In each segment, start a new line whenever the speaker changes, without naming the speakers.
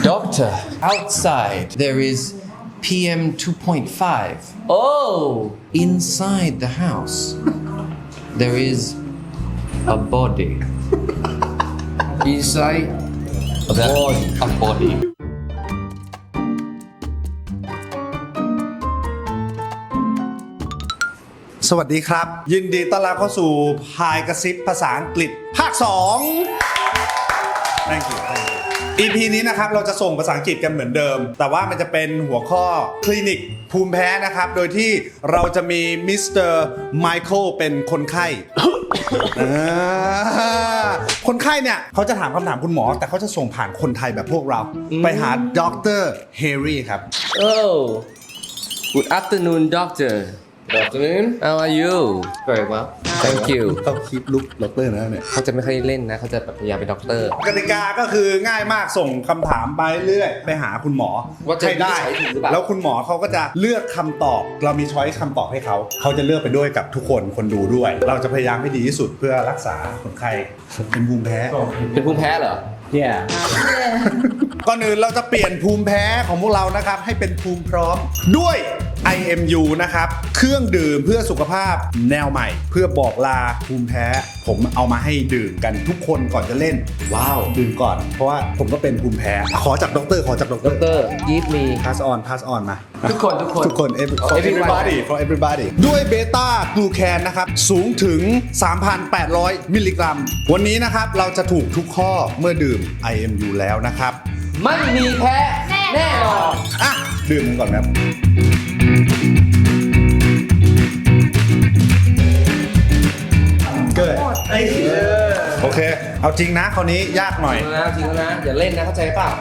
Doctor, outside there is PM 2.5.
Oh,
Inside the house there is a body.
inside
A body.
สวัสดีครับ ยินดีต้อนรับเข้าสู่พายกระซิบภาษาอังกฤษภาค 2 Thank you EP นี้นะครับเราจะส่งภาษาอังกฤษกันเหมือนเดิม แต่ว่ามันจะเป็นหัวข้อคลินิกภูมิแพ้นะครับ โดยที่เราจะมีมิสเตอร์ไมเคิลเป็นคนไข้ คนไข้เนี่ยเขาจะถามคำถามคุณหมอ แต่เขาจะส่งผ่านคนไทยแบบพวกเรา ไปหาดรเฮรี่ครับ
oh good afternoon doctor
Good afternoon.
how are you
Very well.
thank you
ต้องคิดลุกดรนะเนี่ย
เขาจะไม่ค่อยเล่นนะเขาจะแบบพยายามเป็นด็อกเตอร์
กติกาก็คือง่ายมากส่งคำถามไปเรื่อยไปหาคุณหมอ
ว่าจะ
ให้ได้
วินิจฉัยถูกหรือเปล่า
แล้วคุณหมอเขาก็จะเลือกคำตอบ เรามีช้อยส์คำตอบให้เขาจะเลือกไปด้วยกับทุกคนดูด้วย เราจะพยายามให้ดีที่สุดเพื่อรักษาคนไข้เป็นภูมิแพ้
เป็นภูมิแพ้เหรอ
Yeah.
ก่อนอื่นเราจะเปลี่ยนภูมิแพ้ของพวกเรานะครับให้เป็นภูมิพร้อมด้วย IMU นะครับเครื่องดื่มเพื่อสุขภาพแนวใหม่ เพื่อบอกลาภูมิแพ้ผมเอามาให้ดื่มกันทุกคนก่อนจะเล่น
ว้าว
ดื่มก่อนเพราะว่าผมก็เป็นภูมิแพ้ขอจากด็อกเตอร์ขอจากด็อกเต
ด็
อ
อก
ร์
เตอร์ give me
pass on มา
ทุกคน
ทุกคน for everybody for everybody ด้วยเบต้ากลูแคนนะครับสูงถึง 3,800 มิลลิกรัม วันนี้นะครับเราจะถูกทุกข้อเมื่อดื่ม IMU แล้วนะครับ
ไม่มีแพ้แน่นอน
อ่ะดื่มกันก่อนครับเกิดโอเค เอาจริงนะคราวนี้ยากหน่อย
จริงแล้วนะอย่าเล่นนะเข้าใจเปล่า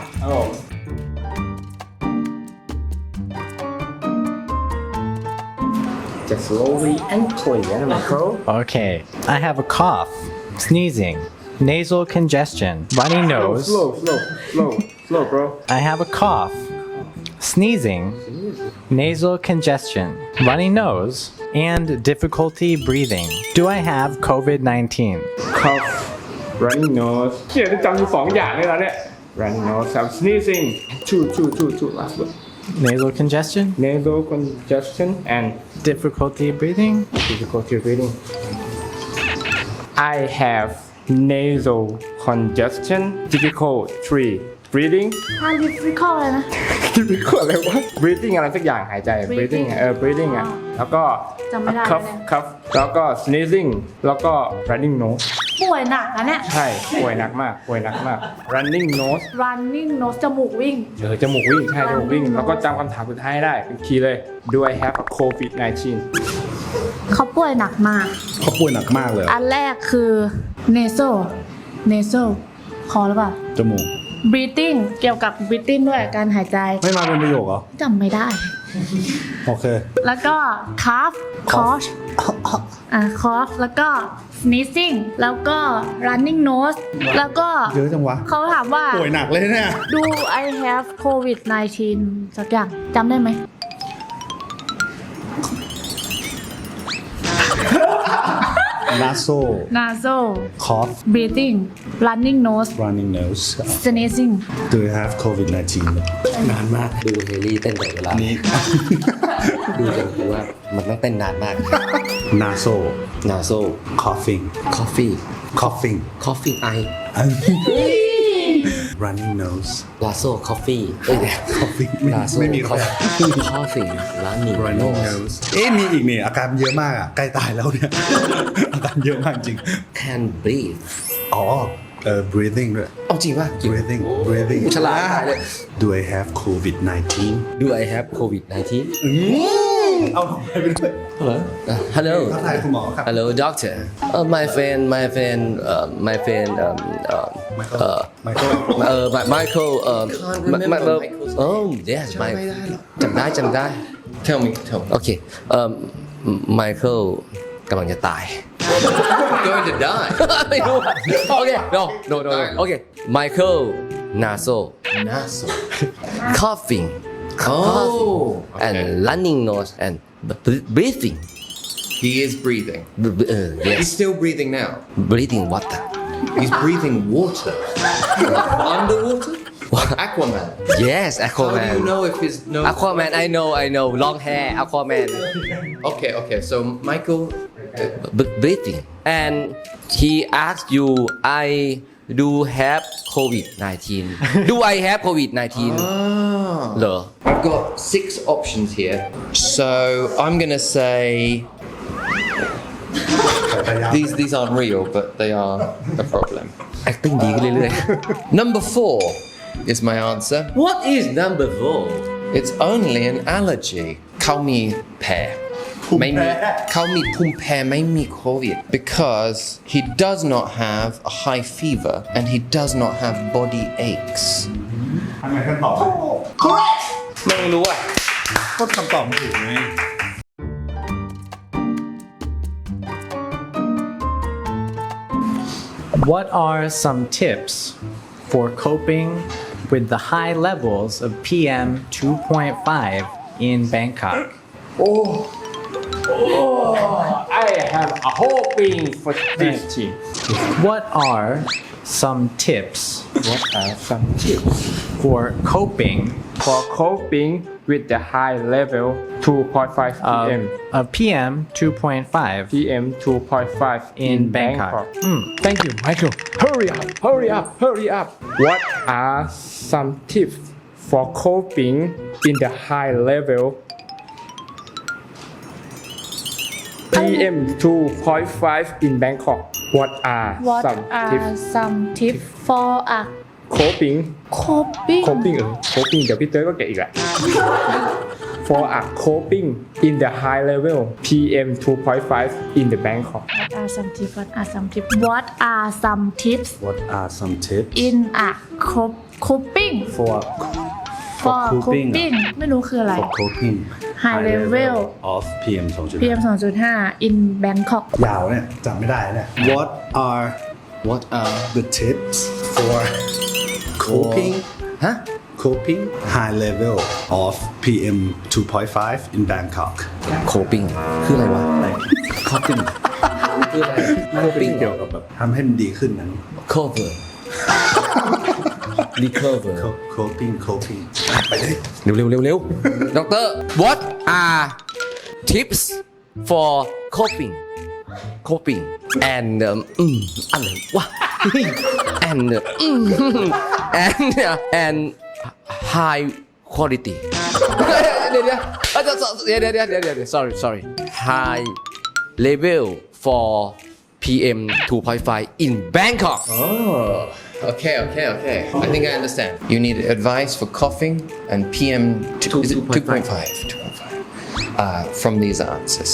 Just slowly and clear, Michael.
Okay, I have a cough, sneezing, nasal congestion, runny nose.
Slow, bro.
I have a cough, sneezing, nasal congestion, runny nose, and difficulty breathing. Do I have COVID 19?
Cough, running nose. เชี่ยได้จำอยู่สองอย่างเลยนะเนี่ย running nose, I'm sneezing. Two. Last one.
Nasal congestion,
Nasal congestion and
difficulty breathing.
difficulty breathing. I have nasal congestion, difficulty breathing.
อันดิฟิคอลเลยนะ
difficult อะไรวะ breathing อะไรสักอย่างหายใจ breathing breathing อ่ะแล้วก็
จำไม่ได้
cough
เนี่ย
cough แล้วก็ sneezing แล้วก็ running nose
ป่วยหนักนะเนี่ย
ใช่ป่วยหนักมาก running nose
running nose จมูกวิ่ง
จมูกวิ่งใช่จมูกวิ่ง แล้วก็จำคำถามสุดท้ายให้ได้เป็นคีย์เลย Do I have COVID 19
เขาป่วยหนักมาก
เขาป่วยหนักมากเลย
อันแรกคือ nasal คอหรือเปล่า
จมูก
breathing เกี่ยวกับ breathing ด้วยการหายใจ
ไม่มาเป็นประโยคเหรอ
จำไม่ได้
โอเค
แล้วก็ cough cough แล้วก็ sneezing แล้วก็ running nose แล้วก็
เยอะจังวะ
เขาถามว่า
ป่วยหนักเลยเนี่ย
Do I have COVID 19 สักอย่างจำได้ไหม nasal
cough
breathing running nose
running nose
sneezing
Do you have COVID 19
นานมากดูเฮลี่เต้นตลอดเวลา
นี่
ดูกันคือว่ามันต้องเต้นนานมาก
nasal
นาโซ
coughing
คอฟฟี่
coughing
คอฟฟี่ไอ
running nose
ลาโซคอฟฟี่เอ้ย
coughing
ลาโซ
ไม่มี
คอ
ข้อ
ฟฟี่ร้านนี้
running nose มีอีกนี่อาการเยอะมากอ่ะใกล้ตายแล้วเนี่ย อาการเยอะมากจริง
can breathe
อ๋อbreathing ด้วย
เอาจริงป่ะ
breathing
ฉลาดตายเลย
Do I have COVID 19
Do I have COVID 19
เอาของไปด้วย
Hello
ทักทายคุณหมอครับ
Hello doctor my friend
Michael
Michael oh yes จำได้
Tell me.
โอเคMichael กำลังจะตาย
Going to die.
ไม่รู้โอเค no โอเค Michael nasal
Nasal.
coughing
Oh.
and running nose and breathing
He is breathing. He's
yes
still breathing now.
breathing water
He's breathing water. Underwater? Aquaman.
Yes
How do
Aquaman
you know if his nose?
Aquaman I know long hair Aquaman
Okay. So Michael.
breathing and he asked you I do have COVID-19 do I have COVID-19 เหรอ
I've got 6 options here. So I'm gonna say these aren't real, but they are a problem.
acting ดีขึ้นเรื่อย
Number 4 is my answer.
ๆ What is number 4
It's only an allergy. เขามีแพ้ไม่มีเขามีภูมิแพ้ไม่มีโควิด because he does not have a high fever and he does not have body aches.
ทำไมท่านตอบ
ไม่รู้อ่ะ
ก็คำตอบมันถูกไง
What are some tips for coping with the high levels of PM 2.5 in Bangkok?
I have a hoping for this team.
What are some tips
What are some tips
for coping
for coping with the high level 2.5 PM
of PM 2.5
PM 2.5
in Bangkok?
Thank you, Michael. Hurry up. What are some tips for coping in the high level PM 2.5 in Bangkok? What are
What
some
are
tips
some tips for a
coping
coping
coping เดี๋ยวพี่เต้ยก็เก่งอีกแหละ for a coping in the high level PM 2.5 in the Bangkok
What are some tips What are some tips What are some tips
What are some tips
in a coping
for
for
coping
coping ไม่รู้คืออะไร
for coping
High level
of PM 2.5
PM 2.5 in Bangkok
ยาวเนี่ยจำไม่ได้เนี่ย What are
What are
the tips for coping coping high level of PM 2.5 in Bangkok
coping คืออะไรวะ
coping
คืออะไร
coping เกี่ยวกับแบบทำให้มันดีขึ้นนั้น
cover recover
coping ไปเลย
เร็วด็อกเตอร์ What are tips for coping and อะไรวะ and and high quality เดี๋ยว sorry high level for PM 2.5 in Bangkok
Okay. I think I understand. You need advice for coughing and PM 2.5 from these answers.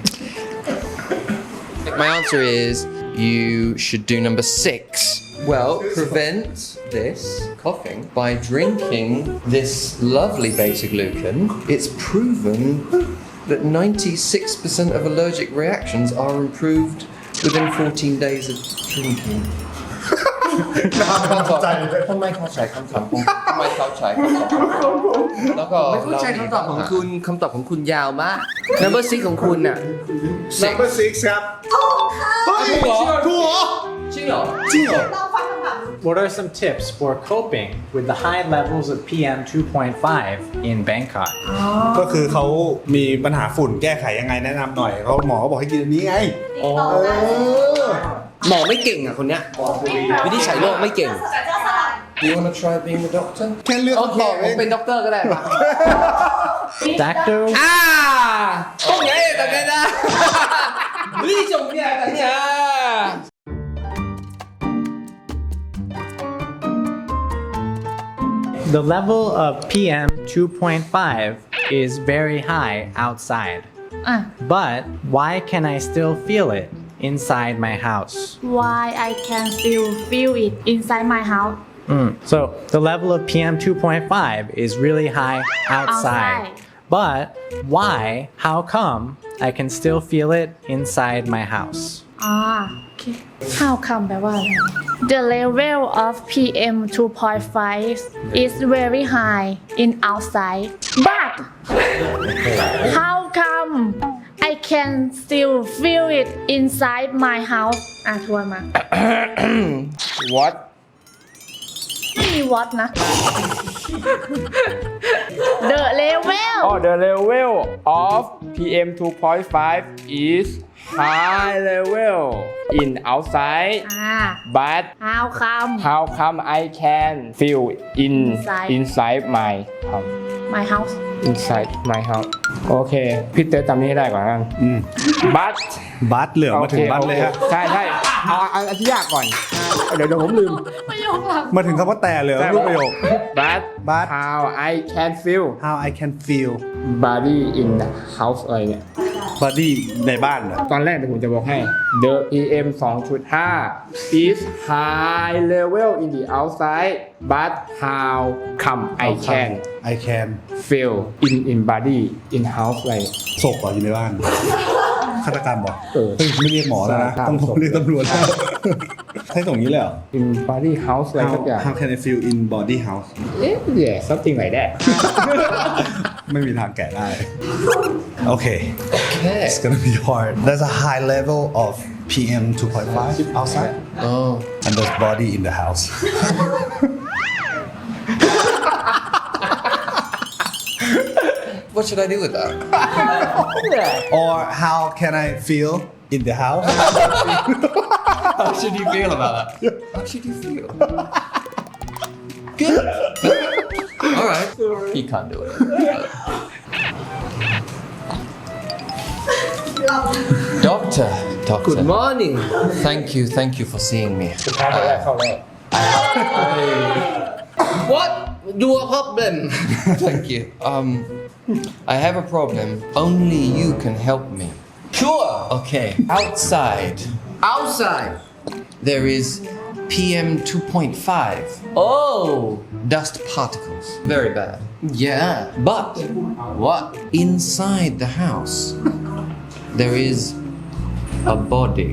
My answer is you should do number 6. Well, prevent this coughing by drinking this lovely beta glucan. It's proven that 96% of allergic reactions are improved within 14 days of drinking. ทำไมเข้าใจคำตอบของแล้วก็
ไม่เข้าใจคำตอบของคุณคำตอบของคุณยาวมาก number 6 ของคุณน่ะ
number 6 ครับถูกเหรอ
จริงเหรอ
What are some tips for coping with the high levels of PM 2.5 in Bangkok?
ก็คือเขามีปัญหาฝุ่นแก้ไขยังไงแนะนำหน่อยเขาหมอเขาบอกให้กินอันนี้ไง
หมอไม่เก่งอ่ะคนเนี้ยวินิจฉัยโรคไม่เก่ง
Do you want to try being a doctor?
แค่เลือก
โอเค
คำตอบ
ผ
เอ
ม
ง
เป็นด็อกเตอร์ก็ได้ปะ
Doctor?
ตรงไหนตรงไหนนะนี่จงเนี่ยกันเนี่ย
The level of PM 2.5 is very high outside.
อ่ะ
But why can I still feel it inside my house?
Why I can still feel it inside my house
So the level of PM 2.5 is really high outside.
Outside.
But why, how come I can still feel it inside my house?
โอเค How come แปลว่าอะไร The level of PM 2.5 is very high in outside but how come I can still feel it inside my house ทวนมา
What
มี what นะ The level
Oh, the level of PM 2.5 is high level in outside,
อ่า
but
how come
how come I can feel
Inside.
inside my house?
my house
Inside my house. โอเค พี่เต้จำนี้ให้ได้ก่อนกัน but
บัตเหลือมาถึงบัตเลยฮะ
ใช่ใช่เอาอันที่ยากก่อน เดี๋ยวผมลืม
ประโยคหลัง
มาถึงคำว่าแต่เหลือรูปประโยค
but how I can feel
how I can feel
body in the house อะไรเนี่ย
body ในบ้านเหรอ
ตอนแรกเดี๋ยวผมจะบอกให้ the PM 2.5 is high level in the outside but how come I can
I can
feel in body in house อะไร
ศพเหรออยู่ในบ้านฆาตกรรมบอก
เออ
เฮ้ยไม่เรียกหมอแล้วนะ
ใช่
ต้องเรียกตำรวจแล้วให้ส่งนี้เลยเหรอ
in body house อะไร
how
สักอย่าง
how can I feel in body house
yeah something like that
ไม่มีทางแกะได้ โอเค
Okay.
It's gonna be hard. There's a high level of PM 2.5 outside,
Oh.
and there's body in the house.
What should I do with that?
Or how can I feel in the house?
How should you feel about that? How should you feel? Good. All right. He can't do it. Doctor.
Good morning
Thank you for seeing me.
เข้าแรก
What your problem
Thank you. I have a problem. Only you can help me.
Sure
Okay. Outside,
outside
there is PM 2.5
oh
dust particles. Very bad.
yeah
But
what
inside the house, there is a body.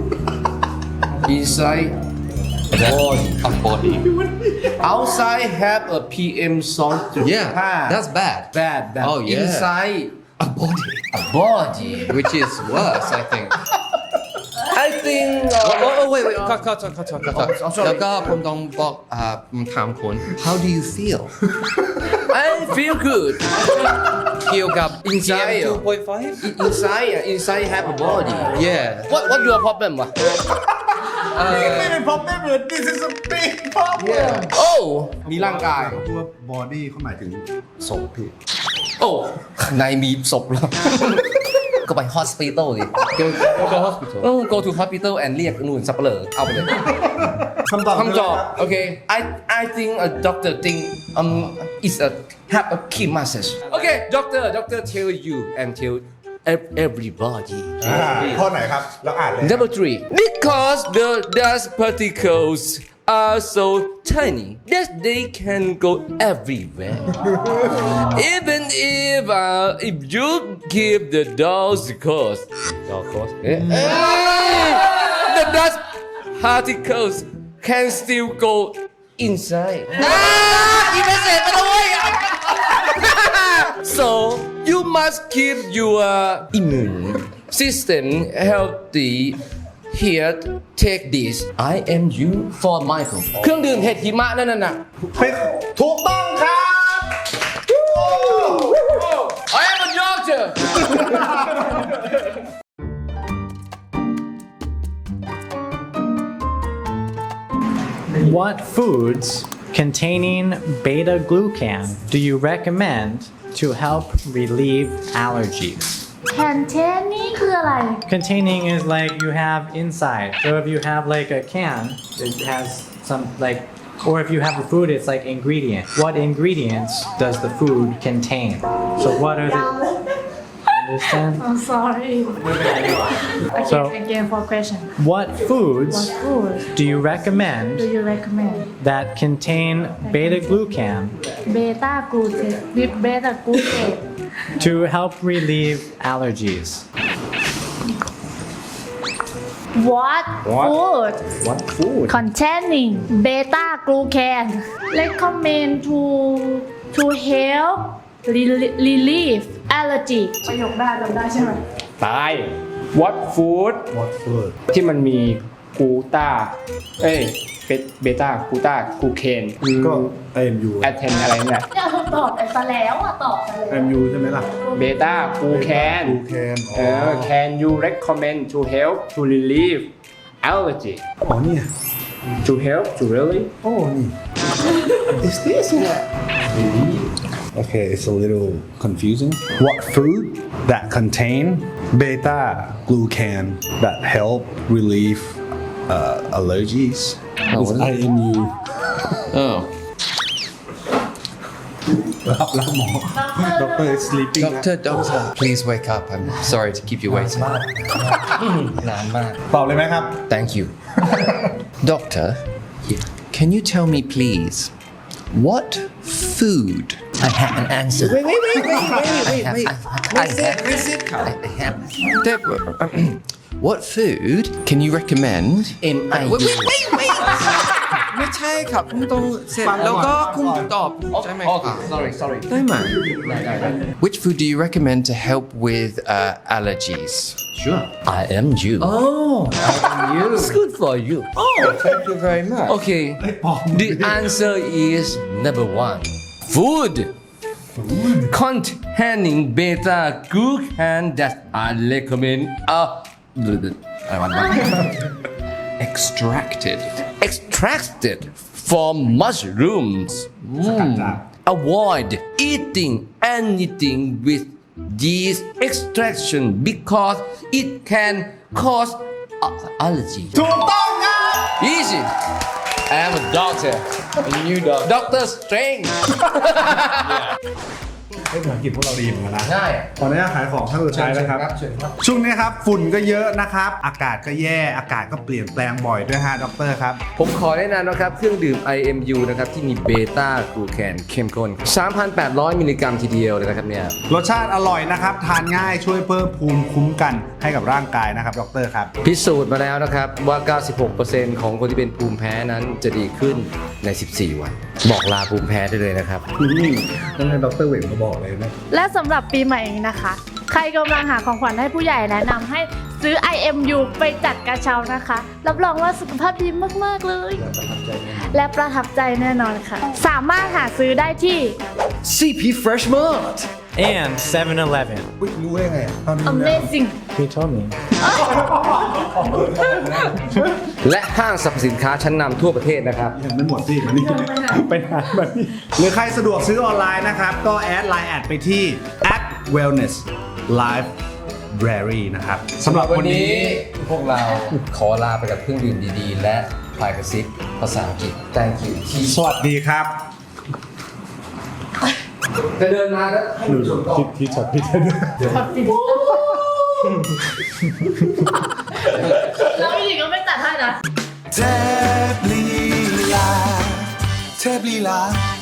inside
A body.
outside have a PM song
Yeah, that's bad.
bad
Oh, yeah.
inside
A body.
a body
Which is worse, I think.
I think
Oh, wait. Cut.
sorry.
แล้วก็ผมต้องบอกผมถามคุณ How do you feel?
I feel good
เกี่ยวกับ
Inside
PM 2.5?
inside have a body
Yeah.
what your problem วะ
ไม่เป็น problem เลย This is a big problem.
oh มีร่างกาย
ตัว body เขาหมายถึงศพพี่
โอ้ข้างในมีศพแล้ว ก็ไป hospital ดิ
Go hospital.
go to hospital and เรียกนู่นสับเปลือเอาไปเลย
คำตอบ
คำตอบโอเค I think a doctor think is a have a key message โอเค doctor tell you and tell everybody
ข้อไหนครับ แล้วอ่านเลย
Number 3 because the dust particles are so tiny that they can go everywhere even if you give the doors the course the dust particles can still go inside so you must keep your immune system healthy. Here, take this. I am you for Michael. เครื่องดื่มเห็ดหิมะนั่นน่ะ
เป็นถูกต้องครับ
I am a doctor.
What foods containing beta glucan do you recommend to help relieve allergies?
containing คืออะไร
Containing is like you have inside. So if you have like a can, it has some like, or if you have the food, it's like ingredient. What ingredients does the food contain? So what are the? Understand?
I'm sorry
So
again for question
what foods
what food
do you recommend
do you recommend
that contain beta glucan
beta glucose with beta glucose
to help relieve allergies?
what food
What food
containing beta glucan recommend to help relieve allergy ประโยคได้จำได้ใช่ไหม
ตาย What food
What food
ที่มันมีกูต้าเบต้ากูต้ากูเคน
ก็ IMU
แอทเทนอะไรเนี่ย
เนี่ยตอบไปซะแล้วอ่ะตอบไปแล้ว
IMU ใช่ไหมล่ะ
เบต้ากูแคน
กูแคน
can you recommend to help to relieve allergy
อ๋อเนี่ย
to help to really
โอ้นี่ is this Okay, it's a little confusing. What food that contain beta glucan that help relieve allergies? It's IMU.
Oh.
รับแล้วหมอ Doctor is sleeping นะ
Doctor, please wake up. I'm sorry to keep you waiting. นานมาก
ตอบเลยไหมครับ
Thank you. Doctor, can you tell me please, what food? I have an answer. Wait. What food can you recommend? Wait. ไม่ใช่ครับคุณต้องเสร็จแล้วก็คุณตอบใช่ไหมครับ
sorry
ได้ไหม Which food do you recommend to help with allergies?
I am you
Oh, you.
it's good for you
Thank you very much.
okay the answer is number 1 food containing beta glucan that I recommend extracted from mushrooms. Avoid eating anything with these extraction because it can cause allergy.
ถูกต้องครับ
Easy. I am a doctor.
A new doctor.
Doctor Strange.
ให้ภาษาอังกฤษพวกเราดีเหมือนกันนะ
ใช่
ขออนุญาตขายของท่านสุดท้ายนะครับ ช่วงนี้ครับฝุ่นก็เยอะนะครับ อากาศก็แย่ อากาศก็เปลี่ยนแปลงบ่อยด้วยฮะดรครับ
ผมขอแนะนำนะครับ เครื่องดื่ม IMU นะครับ ที่มีเบต้ากลูแคนเข้มข้น 3,800 มิลลิกรัมทีเดียวเลยนะครับเนี่ย
รสชาติอร่อยนะครับ ทานง่ายช่วยเพิ่มภูมิคุ้มกันให้กับร่างกายนะครับดรครับ
พิสูจน์มาแล้วนะครับ ว่า 96% ของคนที่เป็นภูมิแพ้นั้นจะดีขึ้นใน 14 วัน บอกลาภูมิแพ้ได้เลยนะครับ
ต้องให้ดรเวงมาบอกเลยนะ
และสำหรับปีใหม่นี้นะคะ ใครกำลังหาของขวัญให้ผู้ใหญ่แนะนำให้ซื้อ IMU ไปจัดกระเช้านะคะ รับรองว่าสุขภาพดีมาก ๆ เลย และประทับใจแน่นอนค่ะ สามารถหาซื้อได้ที่
CP Fresh Mart.
And 7-Eleven.
รู้ได้ไงตอนนี้
Amazing
He told me.
และห้างสรรพสินค้าชั้นนำทั่วประเทศนะครับ
ยังไม่หมดสิมานี่ไปหามานี่หรือใครสะดวกซื้อออนไลน์นะครับ ก็แอดไลน์แอดไปที่ @wellness library นะครับสำหรับวันนี้
พวกเราขอลาไปกับเครื่องดื่มดีๆ และพายกระซิบภาษาอังกฤษ Thank you ที่
สวัสดีครับ
จะเดินมาแล้วให้ดูชมก่อน
ที่ช็อตพี่จะด้วย
แล้วผู้หญิงก็ไม่ตัดให้นะ
เทพลีลา